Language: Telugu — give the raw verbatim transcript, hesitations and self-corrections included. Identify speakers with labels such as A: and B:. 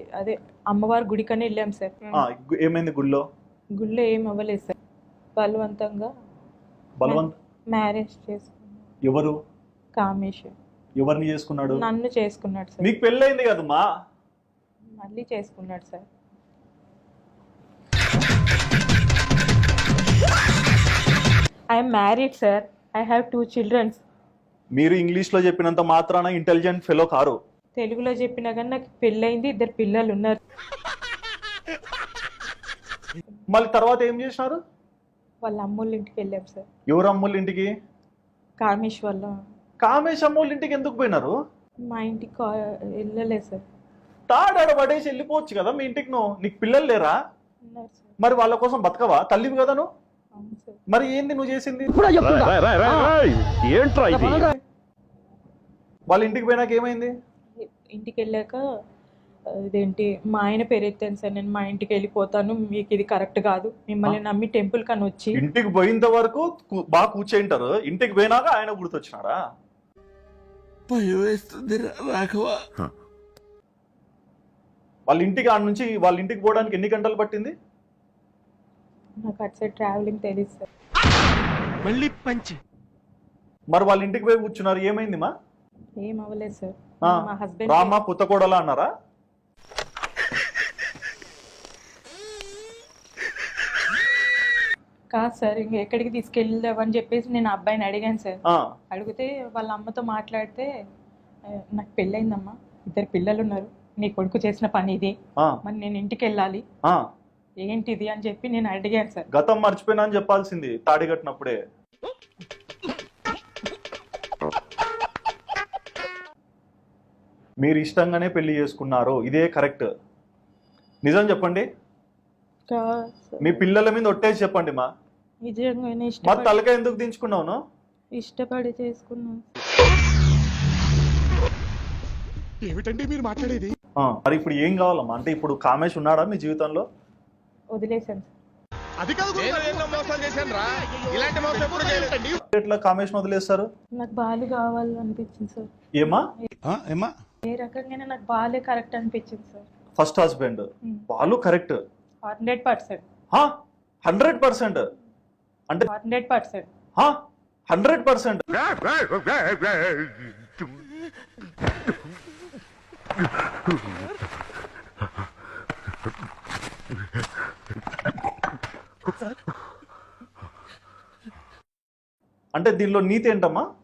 A: అదే అమ్మవారి గుడికనే వెళ్ళాం సార్.
B: ఏమైంది గుడిలో?
A: గుడిలో ఏం అవ్వలేదు సార్. బలవంతంగా
B: బలవంత
A: మ్యారేజ్ చేసుకున్నాడు.
B: ఎవరు?
A: కామేష్.
B: ఎవరిని చేసుకున్నాడు?
A: నన్ను చేసుకున్నాడు సార్.
B: మీకు పెళ్ళైంది కదమ్మా?
A: మళ్ళీ చేసుకున్నాడు sir. I'm married sir. I have two childrens.
B: మీరు ఇంగ్లీష్ లో చెప్పినంత మాత్రాన ఇంటెలిజెంట్ ఫెలో కారు.
A: తెలుగులో చెప్పినా కానీ నాకు పెళ్ళైంది, ఇద్దరు పిల్లలు ఉన్నారు.
B: మళ్ళీ తర్వాత ఏం చేసినారు?
A: వాళ్ళ అమ్మోళ్ళ ఇంటికి వెళ్ళాం సార్.
B: ఎవరు అమ్మోళ్ళ ఇంటికి?
A: కామేష్ వాళ్ళ.
B: కామేష్ అమ్మోళ్ళ ఇంటికి ఎందుకు పోయినారు?
A: మా ఇంటికి వెళ్ళలేదు సార్.
B: తాడాడ పడేసి వెళ్ళిపోవచ్చు కదా మీ ఇంటికి. నువ్వు నీకు పిల్లలు లేరా?
A: ఉన్నారు సార్.
B: మరి వాళ్ళ కోసం బతకవా? తల్లివి కదా నువ్వు.
A: అవును సార్.
B: మరి ఏంది నువ్వు చేసింది? వాళ్ళ ఇంటికి పోయినాక ఏమైంది?
A: ఇంటికి వెళ్ళాక ఇదేంటి మా ఆయన పేరు ఎత్తాను సార్. నేను మా ఇంటికి వెళ్ళిపోతాను, మీకు ఇది కరెక్ట్ కాదు, మిమ్మల్ని నమ్మి టెంపుల్ కని వచ్చి.
B: ఇంటికి పోయినంత వరకు బాగా కూర్చుంటారు, ఇంటికి పోయినాక ఆయన గుర్తొచ్చినాడా? వాళ్ళ ఇంటికి ఆడ నుంచి వాళ్ళ ఇంటికి పోవడానికి ఎన్ని గంటలు పట్టింది?
A: నాకు అటు సైడ్ ట్రావెలింగ్ తెలియదు సార్.
C: మళ్ళీ పంచి.
B: మరి వాళ్ళ ఇంటికి పోయి కూర్చున్నారు, ఏమైంది మా?
A: ఏం అవ్వలేదు సార్. మా హస్బెండ్
B: రామా పుత్తకోడలా అన్నారా?
A: కాదు సార్, ఇంక ఎక్కడికి తీసుకెళ్దామని చెప్పేసి నేను అబ్బాయిని అడిగాను సార్. అడిగితే వాళ్ళ అమ్మతో మాట్లాడితే, నాకు పెళ్ళయిందమ్మా, ఇద్దరు పిల్లలు ఉన్నారు, నీ కొడుకు చేసిన పని ఇది, మరి నేను ఇంటికి వెళ్ళాలి, ఏంటిది అని చెప్పి నేను అడిగాను సార్.
B: గతం మర్చిపోయినా అని చెప్పాల్సింది తాడి కట్టినప్పుడే. మీరు ఇష్టంగానే పెళ్లి చేసుకున్నారు, ఇదే కరెక్ట్. నిజం చెప్పండి. మీ పిల్లల మీద ఒట్టేసి చెప్పండి మా.
A: నిజంగానే
B: మరి తలకాయ ఎందుకు దించుకున్నావు?
A: ఇష్టపడి చేసుకున్నాను.
C: ఏమిటండి మీరు మాట్లాడేది?
B: మరి ఇప్పుడు ఏం కావాలమ్మా? అంటే ఇప్పుడు కామేష్ ఉన్నాడా మీ జీవితంలో?
A: వదిలేసాను
B: సార్. ఎట్లా కామేష్ వదిలేస్తారు?
A: నాకు బాలు కావాలి అనిపించింది సార్.
B: ఏమా ఏమా
A: ఏ రకంగానే నాకు బాలే కరెక్ట్ అనిపించింది sir.
B: First husband Balu correct
A: hundred percent.
B: Hundred percent అంటే
A: హండ్రెడ్ పర్సెంట్
B: హండ్రెడ్ పర్సెంట్. అంటే దీనిలో నీతి ఏంటమ్మా?